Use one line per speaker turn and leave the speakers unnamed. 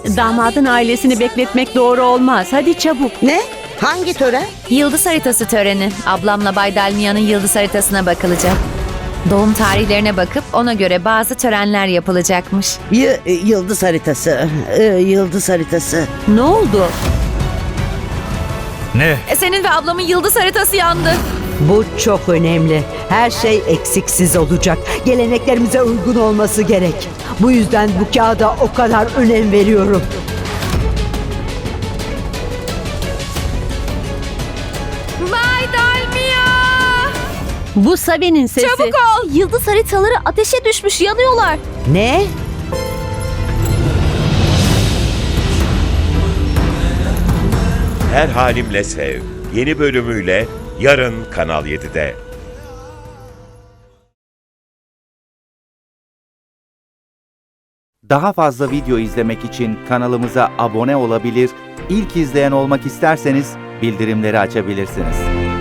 Damadın ailesini bekletmek doğru olmaz. Hadi çabuk.
Ne? Hangi tören?
Yıldız haritası töreni. Ablamla Bay Dalmia'nın yıldız haritasına bakılacak. Doğum tarihlerine bakıp ona göre bazı törenler yapılacakmış.
Yıldız haritası. Yıldız haritası.
Ne oldu?
Ne?
Senin ve ablamın yıldız haritası yandı.
Bu çok önemli. Her şey eksiksiz olacak. Geleneklerimize uygun olması gerek. Bu yüzden bu kağıda o kadar önem veriyorum.
Bay Dalmia!
Bu Sabi'nin sesi.
Çabuk ol! Yıldız haritaları ateşe düşmüş, yanıyorlar.
Ne?
Her Halimle Sev yeni bölümüyle yarın Kanal 7'de.
Daha fazla video izlemek için kanalımıza abone olabilir, ilk izleyen olmak isterseniz bildirimleri açabilirsiniz.